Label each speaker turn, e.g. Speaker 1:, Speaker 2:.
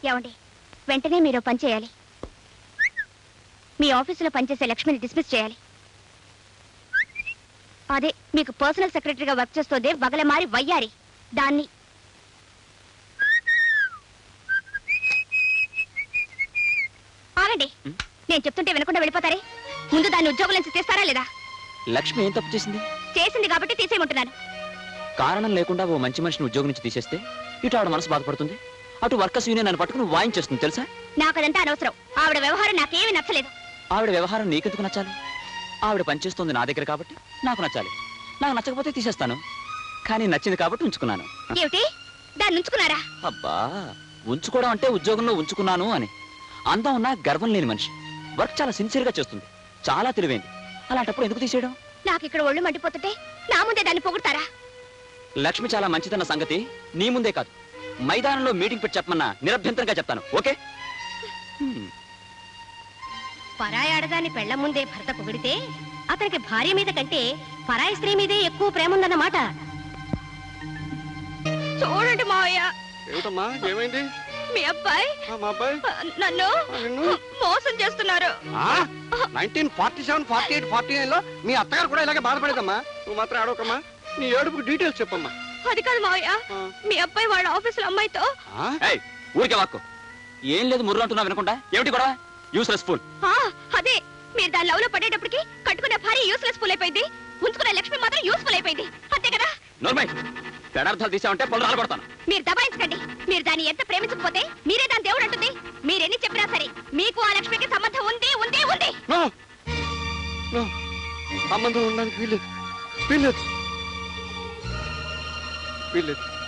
Speaker 1: ఏమండి, వెంటనే మీరు పని చేయాలి. మీ ఆఫీసులో పనిచేసే లక్ష్మిని డిస్మిస్ చేయాలి. అదే మీకు పర్సనల్ సెక్రటరీగా వర్క్ చేస్తోంది వగలమారి వయ్యారి, దాన్ని. ఆగండి, నేను చెప్తుంటే వినకుండా వెళ్ళిపోతారే. ముందు దాన్ని ఉద్యోగం నుంచి తీస్తారా లేదా?
Speaker 2: లక్ష్మి ఏం తప్పు చేసింది?
Speaker 1: చేసింది కాబట్టి తీసేయమంటున్నాను.
Speaker 2: కారణం లేకుండా ఓ మంచి మనిషిని ఉద్యోగం నుంచి తీసేస్తే ఇటు ఆవిడ మనసు బాధపడుతుంది, అటు వర్కర్స్ యూనియన్ అని పట్టుకుని వాయించేస్తుంది తెలుసా?
Speaker 1: నాకు అదంతా అనవసరం. ఆవిడ వ్యవహారం నాకేమీ నచ్చలేదు.
Speaker 2: ఆవిడ వ్యవహారం నీకెందుకు నచ్చాలి? ఆవిడ పనిచేస్తుంది నా దగ్గర కాబట్టి నాకు నచ్చాలి. నాకు నచ్చకపోతే తీసేస్తాను, కానీ నచ్చింది కాబట్టి ఉంచుకున్నాను.
Speaker 1: ఏమిటి, దాన్ని ఉంచుకున్నారా?
Speaker 2: అబ్బా, ఉంచుకోవడం అంటే ఉద్యోగంలో ఉంచుకున్నాను అని. అందం ఉన్నా గర్వం లేని మనిషి, వర్క్ చాలా సిన్సియర్ గా చేస్తుంది, చాలా తెలివైంది. అలాంటప్పుడు ఎందుకు తీసేయడం?
Speaker 1: నాకు ఇక్కడ ఒళ్ళు మండిపోతుంటే నా ముందే దాన్ని పొగుడతారా?
Speaker 2: లక్ష్మి చాలా మంచిదన్న సంగతి నీ ముందే కాదు, మైదానంలో మీటింగ్ పెట్టి చెప్పమన్నా నిరభ్యంతరంగా చెప్తాను. ఓకే?
Speaker 1: పరాయి ఆడదాన్ని పెళ్ల ముందే భర్త పొగిడితే అతనికి భార్య మీద కంటే పరాయి స్త్రీ మీదే ఎక్కువ ప్రేమ ఉందన్నమాట. చూడండి మావయ్య.
Speaker 3: ఏమిటమ్మా, ఏమైంది?
Speaker 1: మీ అబ్బాయి నన్ను మోసం చేస్తున్నారు.
Speaker 3: 1947, 48, 49 లో మీ అత్తగారు కూడా ఇలాగే బాధపడేదమ్మా. నువ్వు మాత్రం ఆడవకమ్మా, నీ ఏడుపుకి డీటెయిల్స్ చెప్పమ్మా.
Speaker 1: అది కాదు మావయ్య, మీ అబ్బాయి వాళ్ళ ఆఫీసులో అమ్మాయితో.
Speaker 2: ఊరికే వాక్కు ఏం లేదు, ముర్రు అంటున్నా వినకుండా. ఏమిటి కూడా యూస్లెస్ ఫుల్?
Speaker 1: అదే, మీరు దాని లవ్ లో పడేటప్పటికి కట్టుకునే భార్య యూస్లెస్ ఫుల్ అయిపోయింది, ఉంచుకునే లక్ష్మి మాత్రం యూస్ఫుల్ అయిపోయింది. అంతే కదా?
Speaker 2: నోర్మై, పెడార్థాలు తీసామంటే పళ్ళు రాలబడతాను.
Speaker 1: మీరు దబాయించకండి. మీరు దాన్ని ఎంత ప్రేమించకపోతే మీరే దాని దేవుడు అంటుంది. మీరెన్ని చెప్పినా సరే మీకు ఆ లక్ష్మికి సంబంధం ఉంది ఉంది ఉంది.
Speaker 3: సంబంధం ఉండడానికి వీల్లేదు, వీల్లేదు, వీల్లేదు.